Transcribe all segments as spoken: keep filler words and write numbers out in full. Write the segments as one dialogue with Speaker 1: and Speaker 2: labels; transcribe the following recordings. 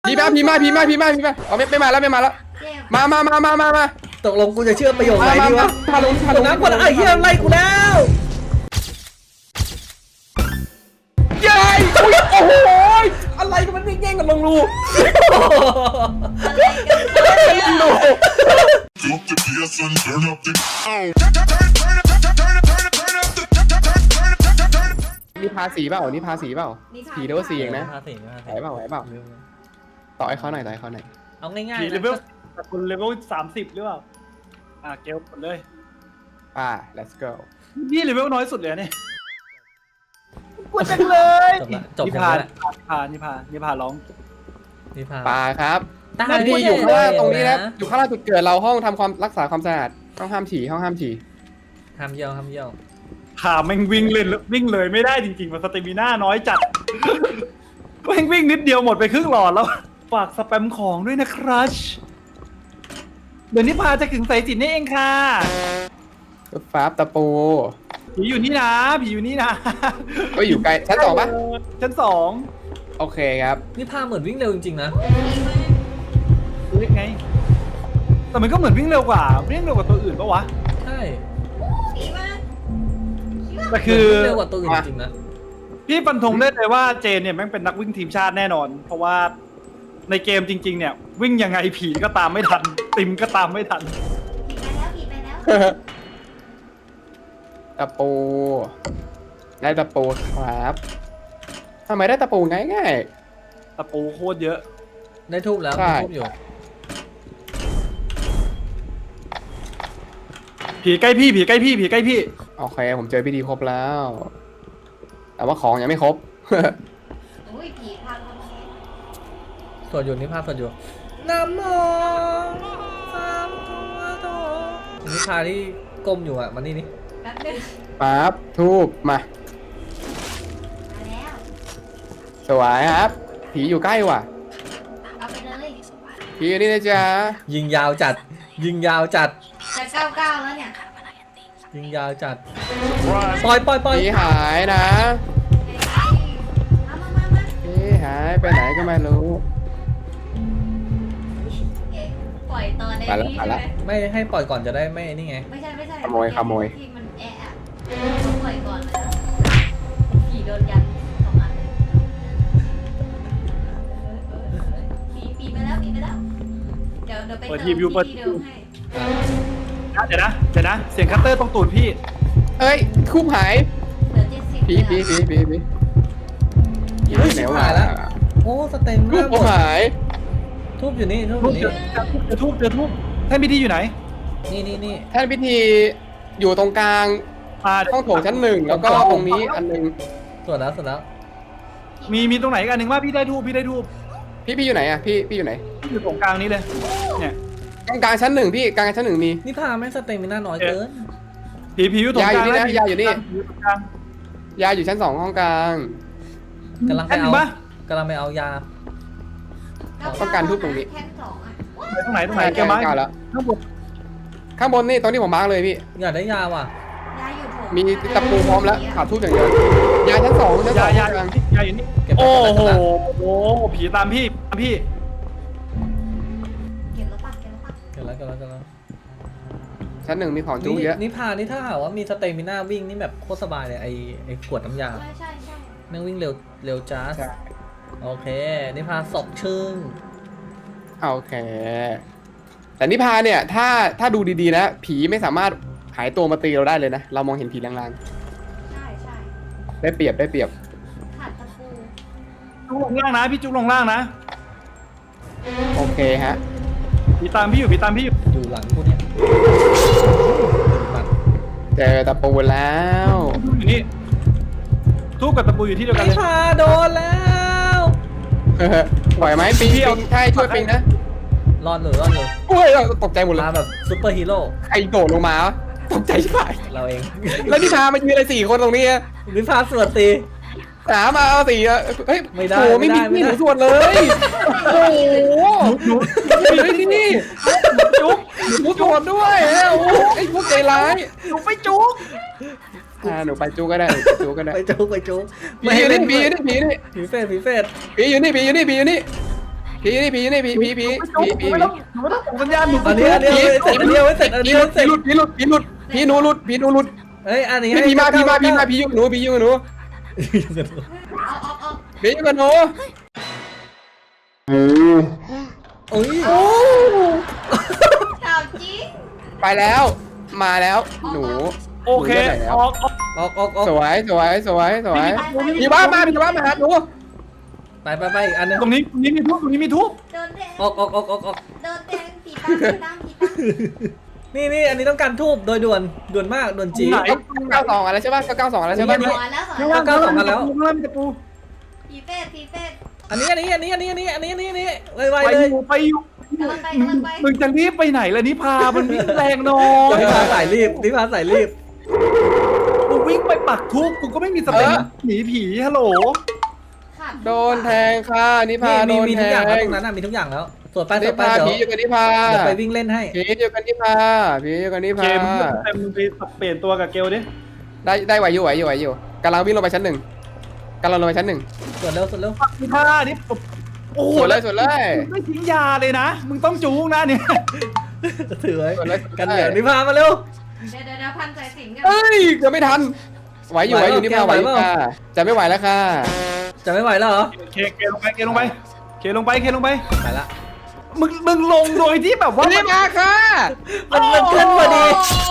Speaker 1: พี่มาพี่มาพี่มาพี่มาพี่มาอ๋อไม่ไม่มาแล้วไม่มาแล้วมามามามามามา
Speaker 2: ตกลงกูจะเชื่อประโยคไหนดีวะ
Speaker 1: มาลงมาลง
Speaker 2: น้ำก่อนไอ้เหี้ยไล่กูแล้ว
Speaker 1: เย้โอ้โหอะไรกันมันแย่งกันลงรูลงรู
Speaker 3: Drop the bass and turn up the.
Speaker 1: นี่พาสีเปล่านี่พาสีเปล่าสีเดียวสีเองนะ
Speaker 2: ห้าสี่ห้า
Speaker 1: ไหว
Speaker 2: สี่
Speaker 1: เปล่าไหวเปล่าต่อให้เขาหน่อยต่อให้เขาหน่อย
Speaker 2: เอาง่าย
Speaker 4: ผี
Speaker 2: ๆ
Speaker 4: เล
Speaker 2: นะ
Speaker 4: เวลแต่คนเลเวลสามสิบหรือเปล่าอ่ะเกลหมดเลย
Speaker 1: ป่า let's go
Speaker 4: นี่เลเวลน้อยสุดเลยเนี่ยกดจังเลย
Speaker 2: จบละจบ
Speaker 4: นิ
Speaker 2: แค่
Speaker 4: พา
Speaker 2: นั้น
Speaker 4: นิพานิพานิพาร้อง
Speaker 2: นิพา
Speaker 1: ป่าครับ
Speaker 2: ตา
Speaker 1: หน้าที่อยู่ข้างล่างตรงนี้นะอยู่ข้างล่างจุดเกิดเราห้องทำความรักษาความสะอาดห้องห้ามฉี่ห้องห้ามฉี่
Speaker 2: ห้ามเยี่ยวห้ามเยี่ยว
Speaker 4: พาแม่งวิ่งเล่นวิ่งเลยไม่ได้จริงๆมันสเตมิน่าน้อยจัดแม่งวิ่งนิดเดียวหมดไปครึ่งหลอดแล้วฝากสแปมของด้วยนะครับเดี๋ยวนิพาจะถึงสายสิญจน์นี่เองค่ะ
Speaker 1: รถฟ้าตะปู
Speaker 4: ผีอยู่นี่นะผีอยู่นี่นะ
Speaker 1: ก็อยู่ไกลชั้นสองปะ
Speaker 4: ชั้นสอง
Speaker 1: โอเคครับ
Speaker 2: นิพาเหมือนวิ่งเร็วจริงๆนะ
Speaker 4: เรียกไงแต่มันก็เหมือนวิ่งเร็วกว่าวิ่งเร็วกว่าตัวอื่นปะวะ
Speaker 2: ใช่
Speaker 4: แต่คือ
Speaker 2: วิ่งเร็วกว่าตัวอื่นจริงๆนะ
Speaker 4: พี่ฟันธงได้เลยว่าเจนเนี่ยแม่งเป็นนักวิ่งทีมชาติแน่นอน เพราะว่าในเกมจริงๆเนี่ยวิ่งยังไงผีก็ตามไม่ทันติมก็ตามไม่ทัน
Speaker 5: ผีไปแล้วผีไปแล้ว
Speaker 1: ตะปูได้ตะปูครับทำไมได้ตะปูง่ายง่าย
Speaker 4: ตะปูโคตรเยอะ
Speaker 2: ได้ทูบแล้ว
Speaker 1: ใช่
Speaker 2: ได้ทูบอยู่
Speaker 4: ผีใกล้พี่ผีใกล้พี่ผีใกล้พี่
Speaker 1: โอเคผมเจอพิธีครบแล้ว แต่ว่าของยังไม่ครบ
Speaker 5: อุ้ยผีพังกำแพง
Speaker 2: สวดอยู่นิพาสวดอยู่น้ำมองสามตัวโตนิพาที่ก้มอยู่อ่ะมันนี่นี่
Speaker 5: แป๊บนึง
Speaker 1: ปั๊บทูบมา
Speaker 5: มาแล้ว
Speaker 1: สวยครับ ผีอยู่ใกล้ว่ะ
Speaker 5: เอาไปเลย
Speaker 1: ผีอยู่นี่นะจ๊ะ
Speaker 2: ยิงยาวจัด ยิงยาวจัด
Speaker 5: จะเก้าเก้าแล้วเนี่ย
Speaker 2: ยิงยาวจัดปล่อยปล่อยปล่อย
Speaker 1: ผีหายนะ
Speaker 5: เอามามามา
Speaker 1: ผีหายไปไหนก็ไม่รู้
Speaker 5: เอ๊ะปล่อยตอนใน
Speaker 1: ไปละ
Speaker 5: นี้
Speaker 1: ไป
Speaker 5: ใช่
Speaker 1: ละ
Speaker 5: ไหม
Speaker 2: ไม่ให้ปล่อยก่อนจะได้ไม่นี่ไง
Speaker 5: ไม่ใช่ไม่ใช่
Speaker 1: ขโมยขโมย
Speaker 5: ที่มันแอะอะต้องปล่อยก่อนนะผีโดนยันสองอันเลยเออเออเออเออผีผีไปแล้วผีไปแล้วเดี๋ยวเดี๋ยวไป
Speaker 4: เปิด
Speaker 5: เติ
Speaker 4: ที
Speaker 5: ม
Speaker 4: วิวเปิด
Speaker 5: ที่เดิมให้
Speaker 4: เดี๋ยวนะเดี๋ยวนะเสียงคัตเตอร์ตรงตูดพี่
Speaker 1: เอ้ยคูบหาย
Speaker 5: เหลือเจ็ดสิบ
Speaker 1: ผีผีผีผีผีผี
Speaker 2: เฮ้ย
Speaker 1: ไหน
Speaker 2: ชิบ
Speaker 1: วะ
Speaker 2: หายแล้ว โอ้สเต็ม
Speaker 1: คู
Speaker 2: มา
Speaker 1: บ
Speaker 2: กห
Speaker 1: ผม ม
Speaker 2: ด
Speaker 1: หาย
Speaker 2: ทูบอยู่นี่ทูบอ
Speaker 4: ทุบ
Speaker 2: ยู่
Speaker 4: เจ
Speaker 2: นี่
Speaker 4: อทุบเจอทุบแท่นพิธีอยู่ไหน
Speaker 2: นี่นี่นี่
Speaker 1: แท่นพิธีอยู่ตรงกลาง
Speaker 4: อ่า
Speaker 1: ห้องโถงชั้นหนึ่งแล้วก็ตรงนี้อันหนึง
Speaker 2: สวดแล้วสวดแล้ว
Speaker 4: มีมีตรงไหนอีกอันหนึ่งว่าพี่ได้ทูบพี่ได้ทูบ
Speaker 1: พี่พี่อยู่ไหนอ่ะพี่พี่อยู่ไหน
Speaker 4: อยู่ตรงกลางนี้เลยเนี่ย
Speaker 1: กลางกลางชั้นหนึ่งพี่กลางชั้นหนึ่งมี
Speaker 2: นี่พาแม่งสเต็มมิน่าน้อยเกิน
Speaker 4: ผีผีอยู่ตรงกลาง
Speaker 1: ยาอยู่นี่นะ
Speaker 4: ผี
Speaker 1: ยาอยู่นี่
Speaker 4: ผีตรงกลาง
Speaker 1: ยาอยู่ชั้นสองห้องกลาง
Speaker 2: กำลังไป
Speaker 4: แท่นหนึ่
Speaker 2: เอา
Speaker 4: งปะ
Speaker 2: กำลังไปเอายา
Speaker 1: ต้องการทุบตรงนี้
Speaker 5: แท่นสองอ่ะ
Speaker 4: ไหนตรงไหนตรงไหน
Speaker 1: ใช่
Speaker 4: เกี่ยวไม้
Speaker 1: ใกล้แล้ว
Speaker 4: ข้างบน
Speaker 1: ข้างบนนี่ตรงที่ผมมาร์กเลยพี่
Speaker 2: อยากได้ยาว่ะ
Speaker 5: ยาอยู่โถง
Speaker 1: มีตะปูพร้อมแล้วขาดทุบอย่างเดียวยาชั้นสองชั้นส
Speaker 4: ยา
Speaker 1: อง
Speaker 4: ยา
Speaker 1: ห้องกลาง
Speaker 4: ยาอยู่นี่
Speaker 2: เก็บไป
Speaker 4: โอ้
Speaker 2: เก็บ
Speaker 4: โห
Speaker 2: ไป
Speaker 4: โอ้โหผีตามพี่ตามพี่
Speaker 5: เก็บแล้วปะเก็บแล้วปะ
Speaker 2: เก็บแล้วเก็บแล้วเก็บแล้ว
Speaker 1: ชั้นหนึ่งมีของจุ๊
Speaker 2: นี่
Speaker 1: เยอะ
Speaker 2: นี่พานี่ถ้าหากว่ามีสเต็มมิน่าวิ่งนี่แบบโคตรสบายเลยไอไอขวดน้ำยา
Speaker 5: ใช่ใช่ใช่
Speaker 2: แม่งวิ่งเร็วเร็วจ้าส
Speaker 1: ใช่
Speaker 2: โอเคนี่พาศพชึ่ง
Speaker 1: โอเค แต่นิพาเนี่ยถ้าถ้าดูดีๆนะผีไม่สามารถหายตัวมาตีเราได้เลยนะ เรามองเห็นผีลาง
Speaker 5: ใช่ใช่
Speaker 1: ๆได้เปรียบได้เปรียบ
Speaker 5: ขาดตะปู
Speaker 4: จุกลงล่างนะพี่จุกลงล่างนะ
Speaker 1: โอเคฮะ
Speaker 4: ผีตามพี่อยู่ผีตามพี่อยู่
Speaker 2: อยู่หลังกูเนี่ยมัน
Speaker 1: เจอตะปูแล้ว
Speaker 4: อยู่นี่ทูบกับตะปูอยู่ที่เดียวกัน
Speaker 2: นี่
Speaker 4: เลย
Speaker 2: พาโดนแล้ว
Speaker 1: ไหวไหมปิง
Speaker 4: พี่
Speaker 1: ปิ
Speaker 4: เอา
Speaker 1: งใช่ช่วยปิงนะ
Speaker 2: รอดเลยรอดเลย
Speaker 1: โอ้ยเราตกใจหมดเลย
Speaker 2: พาแบบซุปเปอร์ฮีโร่
Speaker 1: ใครโดดลงมาวะตกใจชิบหาย
Speaker 2: เราเอง
Speaker 1: แล้วนิพามายืนอะไรสี่คนตรงนี้อะ
Speaker 2: นิพาสวดตี
Speaker 1: สามมาเอาสี่อะเฮ้ย
Speaker 2: ไม่ได้
Speaker 1: โอ้ไม่มี
Speaker 2: ไม่
Speaker 1: ไม่
Speaker 2: ได้
Speaker 1: หนูส่วนเลยโอ้โห
Speaker 4: หนู
Speaker 1: เฮ้ยนี่นี่จุ๊บหนูส่วนด้วยโอ้โหไอ้พวกใจร้าย
Speaker 4: หนูไปจุก
Speaker 1: อ่าหนูไปจุ๊กก็ได้จุ๊กก็ได้
Speaker 2: ไปจุกไปจุก
Speaker 1: ผีอยู่นี่ผีอยู่นี่ผีอยู่นี่
Speaker 2: ผีเฟสผีเฟส
Speaker 1: ผีอยู่นี่ผีอยู่นี่ผีอยู่นี่ผีนี่ผีนี่ผีผีผีผีผี
Speaker 4: ไม่ต้องหนูไม่ต้องส่งสัญญาณหนู
Speaker 2: อันนี้อันนี้เอาไว้เสร็จอันนี้เอาไว้เสร็จอันนี้เอาไว้เสร็จ
Speaker 1: ผีหลุดผีหลุดผีหลุดผีหนูหลุดผีหนูหลุด
Speaker 2: เฮ้ยอันนี้
Speaker 1: ผีมาผีมาผีมาผีอยู่กับหนูผีอยู่กับหนู
Speaker 5: เอาเอาเอา
Speaker 1: ผีอยู่กับหนู
Speaker 2: โอ้ย
Speaker 5: ถามจริง
Speaker 1: ไปแล้วมาแล้วหนู
Speaker 4: โอเค
Speaker 1: หนูไปไหนแล้ว
Speaker 4: ออกออก
Speaker 2: ออกออกออก
Speaker 1: สวยสวยสวยสวยผีบ้ามาผีบ้ามาหาหนู
Speaker 2: ไปไปไปอีกอันนึง
Speaker 4: ตรงนี้ตรงนี้มีทุบตรงนี้มีทุบ
Speaker 5: โดนแดง
Speaker 2: ออกออกออกออกออก
Speaker 5: โดนแดงผีตั้งผีตั้งผีตั้ง
Speaker 2: นี่นี่อันนี้ต้องการทูบโดยด่วนด่วนมากด่วนจี
Speaker 4: ไหน
Speaker 1: เก้าสองอะไรใช่ป่ะเก้าสองอะไรใช่ป่ะ
Speaker 5: สอนแล้วสอน
Speaker 4: ข้าง
Speaker 5: แล้
Speaker 4: ล่าว ง
Speaker 2: เก้าสองกันแล้ว
Speaker 4: ข้างล่างมีตะปู
Speaker 5: ผีเฟสผีเฟส
Speaker 2: อันนี้อันนี้อันนี้อันนี้อันนี้อันนี้อันนี้อันนี้ไวไว
Speaker 4: ไป
Speaker 2: เล
Speaker 4: อย ยู่ไปอยู่
Speaker 5: กำลังไปกำลังไป
Speaker 4: มึงจะรีบไปไหนล่ะนิพามันวิ่งแรงน้อย
Speaker 2: นิพาสายรีบนิพาสายรีบ
Speaker 4: กูวิ่งไปปักทุบกูก็ไม่มีสเปนหนีผีฮัลโหล
Speaker 5: ขาด
Speaker 1: โดนแทงค่ะนิพา
Speaker 2: นี่
Speaker 1: โด
Speaker 2: มี
Speaker 1: น
Speaker 2: มี
Speaker 1: แท
Speaker 2: ทุกอย่างแล้ว
Speaker 1: ง
Speaker 2: ตรงนั้นน่ะมีทุกอย่างแล้วสวดไปส
Speaker 1: นิ
Speaker 2: วดไป
Speaker 1: พา
Speaker 2: เดี๋ยว
Speaker 1: ผีอยู่กับนิพา
Speaker 2: เดี๋ยวไปวิ่งเล่นให้
Speaker 1: ผีอยู่กับนิพาผีอยู่กับนิ
Speaker 4: เก
Speaker 1: พาม
Speaker 4: เต็มมึงไปเปลี่ยนตัวกับเกลดิ
Speaker 1: ได้ได้ไหวอยู่ไหวอยู่ไหวอยู่กำลังวิ่งลงไปชั้นหนึ่งกำลังลงไปชั้นหนึ่ง
Speaker 2: สวดเร็วสวดเร็ว
Speaker 4: นิพานี่โอ้โห
Speaker 1: สวยเลยสวยเลย
Speaker 4: ไม่ทิ้งยาเลยนะ มึงต้องจูงนะเนี่ย
Speaker 2: ถือไว้
Speaker 1: สวดเลย
Speaker 2: กันเหนียวนิพามาเร็ว
Speaker 5: เดี๋ยวเดี๋ยวเดี๋ยวพันสายสิญจนกัน
Speaker 1: เอ้ยเกือบไม่ทันไหวอยู่ไหวอยู่นิพาไหวอยู่ค่ะจะไม่ไหวแล้วค่ะ
Speaker 2: จะไม่ไหวแล้วเหรอ
Speaker 4: เคเคลงไปเคลงไปเคลงไปเคลงไป
Speaker 2: ไปละ
Speaker 4: มึงมึงลงโดยที่แบบว่า
Speaker 1: นิพาค่ะ
Speaker 2: มันมันขึ้นพอดี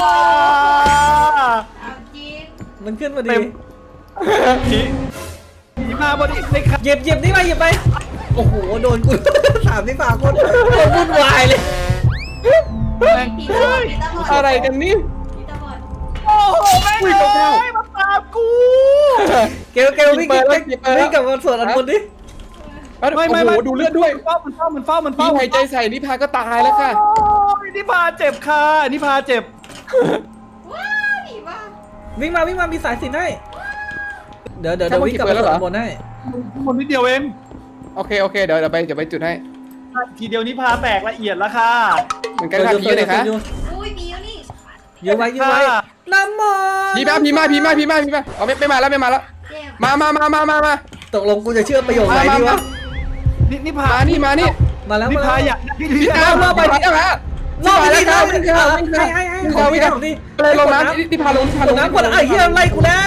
Speaker 5: ถามจริง
Speaker 2: มันขึ้นพอดี
Speaker 4: เต็มผีผีมาพอดีเลยครับ
Speaker 2: หยิบหยิบนี่ไปหยิบไปโอ้โหโดนกูสามที่ปากคนโดนวุ่นวายเลย
Speaker 5: ผีตาบอดผีตาบอด
Speaker 1: อะไรกันนี่
Speaker 5: ผีตาบอด
Speaker 4: โอ้โหแม่ง
Speaker 1: อุ้ย
Speaker 4: เล
Speaker 1: เก้า
Speaker 4: ยมาตามกู
Speaker 2: เกลเกลวิ่ง
Speaker 1: เปิดแล้ว
Speaker 2: วิ่ง
Speaker 1: เปิดแล้ว
Speaker 2: วิ่งกลับมาสวดอันบนดิ
Speaker 4: ไม่ไม่
Speaker 1: โอ้
Speaker 4: ไม่
Speaker 1: โหดูเลือดด้วย
Speaker 4: มันเฝ้ามันเฝ้ามันเฝ้ามัน
Speaker 1: พี่
Speaker 4: เฝ้า
Speaker 1: หายใจใส่นิพาก็ตายแล้วค่ะ
Speaker 4: โอ้ยนิพาเจ็บค่ะนิพาเจ็บ
Speaker 5: ว้าวผีบ้า
Speaker 2: วิ่งมาวิ่งมามีสายสิญจนให้เดี๋ยวเดี๋ยวเดี๋ยววิ่งกลับมาสวดอันบนให้
Speaker 4: คนนิดเดียวเอง
Speaker 1: โอเคโอเคเดี๋ยวเดี๋ยวไปเดี๋ยวไปจุดให้
Speaker 4: ทีเดียวนิพาแตกละเอียดแล้วค่ะ
Speaker 1: เหมือนกันค่ะผีอยู่ไหนคะ
Speaker 5: อุ้ยผีอยู่นี่
Speaker 2: ยืนไว้ยืนไว้น้ำมอ
Speaker 1: ผีมาผีมาผีมาผีมาผีมาอ๋อไม่ไม่มาแล้วไม่มาแล้ว
Speaker 5: เจ็บ
Speaker 1: มามามามามามา
Speaker 2: ตกลงกูจะเชื่อประโยคไหน
Speaker 1: มา
Speaker 2: ดี
Speaker 1: มาว
Speaker 2: ะ
Speaker 4: นินิพา
Speaker 1: มานี่มานี่
Speaker 2: มาแล้ว
Speaker 4: นิ
Speaker 2: มา
Speaker 4: พา
Speaker 2: แล้ว
Speaker 4: อยากได้
Speaker 1: พี่
Speaker 4: ที่
Speaker 1: ดาวรอบไปพี่ดาวฮะ
Speaker 2: รอบไป
Speaker 1: แล้
Speaker 2: ที่
Speaker 1: ว
Speaker 2: น้ำ
Speaker 1: วิ่ง
Speaker 2: ให้
Speaker 1: เข้าวิ่งเข้า
Speaker 2: ให้ให้
Speaker 1: วิ่งเข้าวิ่งเข้า
Speaker 2: ดิ
Speaker 1: เลยลงน้ำนี่พาลงพาล
Speaker 2: ก
Speaker 1: ง
Speaker 2: ดน้ำกดไอ้เหี้ยไล่กูแล้ว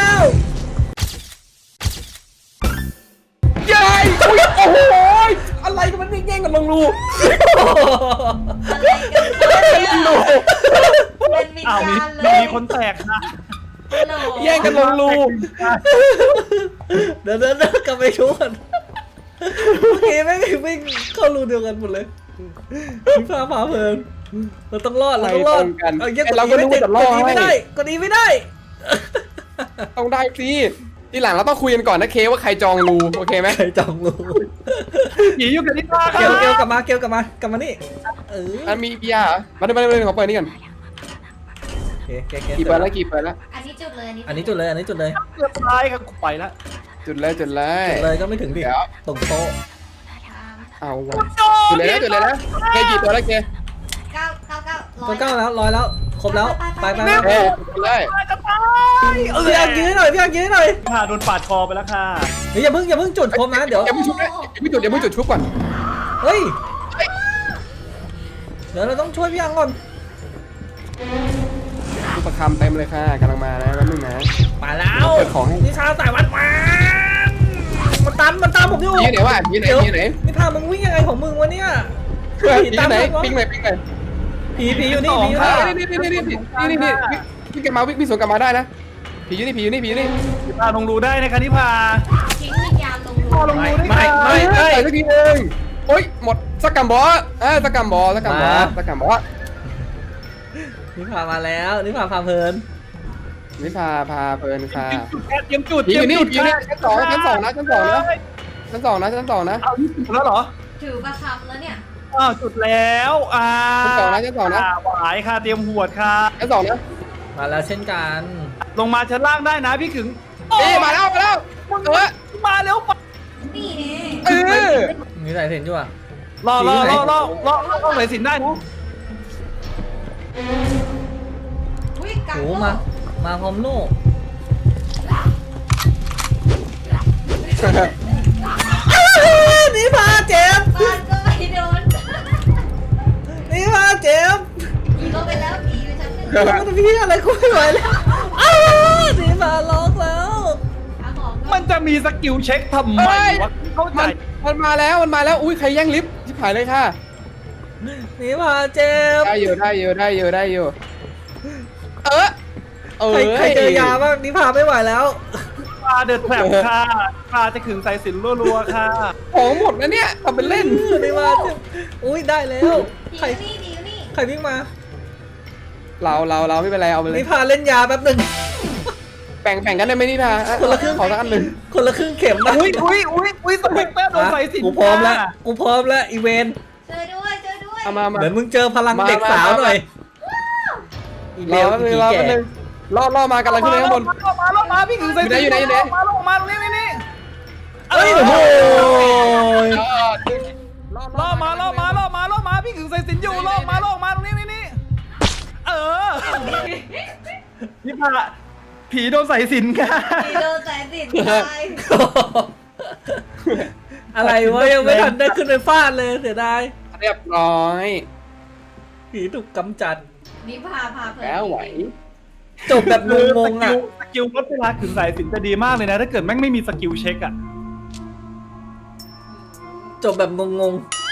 Speaker 1: ใหญ่โอ้โหอะไรกันมันวิ่งแย่งกันลงรู
Speaker 5: อะไรกันเนี่ย
Speaker 1: ลงรู
Speaker 5: เป็นวิญ
Speaker 4: อ้าวมี
Speaker 5: ญาณเลย
Speaker 4: มีคนแตกนะ
Speaker 5: โหล
Speaker 1: แย่งกันลงรู
Speaker 2: เดี๋ยวเดี๋ยวเดี๋ยวกลับไปชวนเมื่อกี้แม่งวิ่งเข้ารูเดียวกันหมดเลยพาพาเพลินเราต้องรอดเราต้องรอดเอาเยี่ยกด
Speaker 1: เราก็
Speaker 2: อี
Speaker 1: รู้
Speaker 2: ไม่
Speaker 1: ว่า
Speaker 2: ติด
Speaker 1: จะ
Speaker 2: ก
Speaker 1: รอ
Speaker 2: ดอี
Speaker 1: ด
Speaker 2: ไม่ได้กดอีไม่ได้
Speaker 1: ต้องได้สิทีหลังเราต้องคุยกันก่อนนะเคว่าใครจองรูโอเคไหม
Speaker 2: ใครจองรู
Speaker 4: ผีอยู่กับนิพา
Speaker 2: เกลเกลกลับมาเกลกลับมากลับมานี่เออ
Speaker 1: อันมีเบียร์มาดูมาดูมาดูขอเปิดนี่ก่อน
Speaker 2: โอเคเกลเกล
Speaker 1: กี่เปิดแล้วกี่เปิดแล้ว
Speaker 5: อันนี้จุดเลยอันนี้
Speaker 2: อันนี้จุดเลยอันนี้จุดเลย
Speaker 4: เกือบตายครับกูไปแล้ว
Speaker 1: จุดเลยจุดเลย
Speaker 2: จุดเลยก็ไม่ถึงดิ
Speaker 1: เดี๋ยว
Speaker 2: ตรงโต๊ะ
Speaker 1: เอาวะจุดเลยนะจุดเลยนะเคกี่ตัวแล้วเค
Speaker 5: เก้าเก้าเก้าร้อ
Speaker 2: ก็
Speaker 5: ย
Speaker 2: เก้าแล้วร้อยแล้วครบแล้วไปไปไป
Speaker 1: เอ้ยจุดเลย
Speaker 4: จะตายเออ
Speaker 2: พี่อังยืนหน่อยพี่อังยืนหน่อย
Speaker 4: นิพาโดนปาดคอไปแล้วค่ะ
Speaker 2: เฮ้ยอย่าเพิ่งอย่าเพิ่งจุดครบนะเดี๋ยว
Speaker 1: อย่าเพิ่งชุบนะอย่าเพิ่งจุดอย่าเพิ่งจุดชุบก่อน
Speaker 2: เฮ้ยเดี๋ยวเราต้องช่วยพี่อังก่อน
Speaker 1: ลูกประคำเต็มเลยค่ะกำลังมานะแป๊บนึงนะ
Speaker 2: มาแล้ว
Speaker 1: เปิดของให้
Speaker 2: นิชาสายวัดมามันตามมันตามผมอยู่
Speaker 1: ยี่ไหนวะยี่ไหน
Speaker 2: เดี๋ยว
Speaker 1: ยี่ไหน
Speaker 2: นี่พามึงวิ่งยังไงของมึงวะเนี่ย
Speaker 1: ยี่ไหนปิ้งเลยปิ้งเลย
Speaker 2: ผีผีอยู่นี่ผีอยู่
Speaker 1: นี่
Speaker 2: นี่
Speaker 1: นี่นี่นี่นี่นี่นี่วิ่งกลับมาวิ่งวิ่งสวนกลับมาได้นะผีอยู่นี่ผีอยู่นี่ผีอยู่นี่
Speaker 4: นิพาลงรูได้นะคะนิพา
Speaker 5: ทิ้งวิญญาณลงรู
Speaker 4: พอลงรูได้
Speaker 2: ไม่
Speaker 4: ค่ะ
Speaker 2: ไม่
Speaker 1: ใส่สักทีนึงโอ๊ยหมดสักกัมบอสเออสักกัมบอสสักกัมบอสสักกัมบอส
Speaker 2: นี่พามาแล้วนี่พาพาเพลิน
Speaker 1: นี่พาพาเพลินค่ะ
Speaker 4: เตรียมจุด
Speaker 1: ผีอยู่นี่
Speaker 4: เต
Speaker 1: ผี
Speaker 4: รี
Speaker 1: อย
Speaker 4: ม
Speaker 1: ยู่
Speaker 4: จุ
Speaker 1: นี่
Speaker 4: ด
Speaker 1: ชั้นสองชั้นสองนะชั้นสองนะชั้นสองนะชั้นสองนะ
Speaker 4: เอาที่จุดแล้วเหรอ
Speaker 5: ถือประคำแล้วเนี่ย
Speaker 4: อ้าวจุดแล้วอ่า
Speaker 1: ชั้นสองนะชั้นสองนะ
Speaker 4: หวายค่ะเตรียมหวดค่ะ
Speaker 1: ชั้นสองนะ
Speaker 2: มาแล้วเช่นกัน
Speaker 4: ลงมาชั้นล่างได้นะพี่ขึง
Speaker 1: นี่มาแล้วมาแล้วเออ
Speaker 4: มาแล้วปะ
Speaker 5: นี่เน่
Speaker 1: เออ
Speaker 2: มีสายเห็นอยู่อ่ะ
Speaker 4: รอรอ
Speaker 2: สีไหน
Speaker 4: รอรอรอรอไหนสินได้นะ
Speaker 5: อุ้ยกัง
Speaker 2: โอ้
Speaker 5: โล
Speaker 2: มา มาพร้อมโล่นี่พาเจ็บ
Speaker 5: บ้านก็ไม่
Speaker 2: มันพี่อะไรกูไม่ไหวแล้วอ้าวนี่มาล็อกแล้ว
Speaker 5: หาของก่
Speaker 4: มั
Speaker 5: อน
Speaker 4: นจะมีสกิลเช็คทำไม
Speaker 1: เฮ้ย
Speaker 4: วะเข้าใจ
Speaker 1: มันมันมาแล้วมันมาแล้วอุ้ยใครแย่งลิฟต์ชิบหายเลยค่ะ
Speaker 2: นี่มาเจ็บ
Speaker 1: ได้อยู่ได้อยู่ได้อยู่ได้อยู่เออเออ
Speaker 2: ใครใครเจอยาบ้างนี่พาไม่ไหวแล้ว
Speaker 4: ปลาเดือดแผลบค่ะปลาจะขึงสายสิญจนรัวๆค่ะ
Speaker 1: ของหมดนะเนี่ยทำเป็นเล่น
Speaker 2: นี่มาเจ็บอุ้ยได้แล้ว
Speaker 5: ผี
Speaker 2: ใคร
Speaker 5: อยู่นี่ผีอยู่นี่
Speaker 2: ใครวิ่งมา
Speaker 1: เราเราเราไม่เป็นไรเอาไปเลย
Speaker 2: นี่พาเล่นยาแป๊บหนึ่ง
Speaker 1: แบ่งแบ่งกันได้ไหมนี่พา
Speaker 2: คนละครึ่ง
Speaker 1: ขอสักอันหนึ่ง
Speaker 2: คนละครึ่งเข็มนะ
Speaker 4: อุ้ยอุ้ยอุ้ยอุ้ยสเปกเตอร์โดนสายสิญจน
Speaker 2: กูพร้อมแล้วกูพร้อมแล้วอีเวน
Speaker 5: เจอด้วยเจอด้วย
Speaker 1: เอามามา
Speaker 2: เดี๋ยวมึงเจอพลังเด็กสาวหน่อยอี
Speaker 1: ร
Speaker 2: เล
Speaker 1: อ
Speaker 2: ว
Speaker 1: แป๊บนึ
Speaker 2: อี
Speaker 1: งรอ
Speaker 2: แก่
Speaker 1: แป๊บนึงรอรอมากำลังขึ้นไปข้างบน
Speaker 4: มาลงมาลงมาพี่ขึงสายสิญจ
Speaker 1: อยู่ไหนอยู่ไหน
Speaker 4: มาลงมาลงนี่นี่นี่
Speaker 2: เอ้ยโอ้โห
Speaker 4: ล่อมาล่อมาล่อมาล่อมาพี่ขึงสายสิญจนอยู่ล่อมาล่อมาตรงนี้นี่นี่เออนี่พาผีโดนสายสิญจนค่ะ
Speaker 5: ผีโดนสายสิญจนตาย
Speaker 2: อะไรวะยังไม่ทันได้ขึ้นไปฟาดเลยเสียดาย
Speaker 1: เรียบร้อย
Speaker 2: ผีถูกกำจัด
Speaker 5: นี่พาพาเพลิน
Speaker 1: แล้วไหว
Speaker 2: จบแบบงงๆอ่ะ
Speaker 4: สกิลลดเวลาขึงสายสิญจนจะดีมากเลยนะ ถ้าเกิดแม่งไม่มีสกิลเช็คอะ
Speaker 2: จบแบบงงๆ